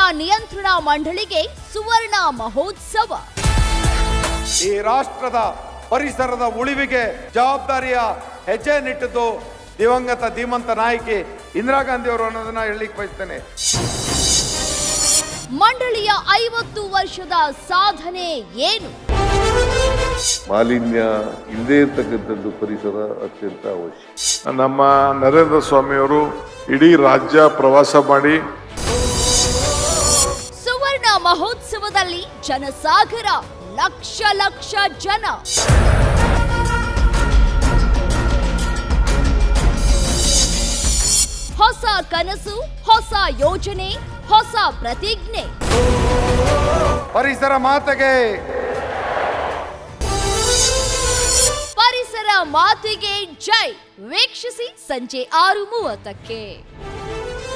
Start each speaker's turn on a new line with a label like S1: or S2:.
S1: ನಿಯಂತ್ರಣ ಮಂಡಳಿಗೆ ಸುವರ್ಣ ಮಹೋತ್ಸವ.
S2: ಈ ರಾಷ್ಟ್ರದ ಪರಿಸರದ ಉಳಿವಿಗೆ ಜವಾಬ್ದಾರಿಯ ಹೆಜ್ಜೆ ನಿಟ್ಟಿದ್ದು ದಿವಂಗತ ಧೀಮಂತ ನಾಯಕಿ ಇಂದಿರಾ ಗಾಂಧಿ ಅವರು ಅನ್ನೋದನ್ನ ಹೇಳಲಿಕ್ಕೆ ಬಯಸ್ತೇನೆ.
S1: ಮಂಡಳಿಯ 50 ವರ್ಷದ ಸಾಧನೆ ಏನು?
S3: ಮಾಲಿನ್ಯ ಇಲ್ಲದೇ ಇರ್ತಕ್ಕಂಥದ್ದು ಪರಿಸರ ಅತ್ಯಂತ ಅವಶ್ಯ.
S4: ನಮ್ಮ ನರೇಂದ್ರ ಸ್ವಾಮಿಯವರು ಇಡೀ ರಾಜ್ಯ ಪ್ರವಾಸ ಮಾಡಿ
S1: ಸುವರ್ಣ ಮಹೋತ್ಸವದಲ್ಲಿ ಜನಸಾಗರ, ಲಕ್ಷ ಲಕ್ಷ ಜನ. ಹೊಸ ಕನಸು, ಹೊಸ ಯೋಜನೆ, ಹೊಸ ಪ್ರತಿಜ್ಞೆ.
S2: ಪರಿಸರ ಮಾತೆಗೆ,
S1: ಪರಿಸರ ಮಾತೆಗೆ ಜೈ. ವೀಕ್ಷಿಸಿ ಸಂಜೆ 6:30ಕ್ಕೆ.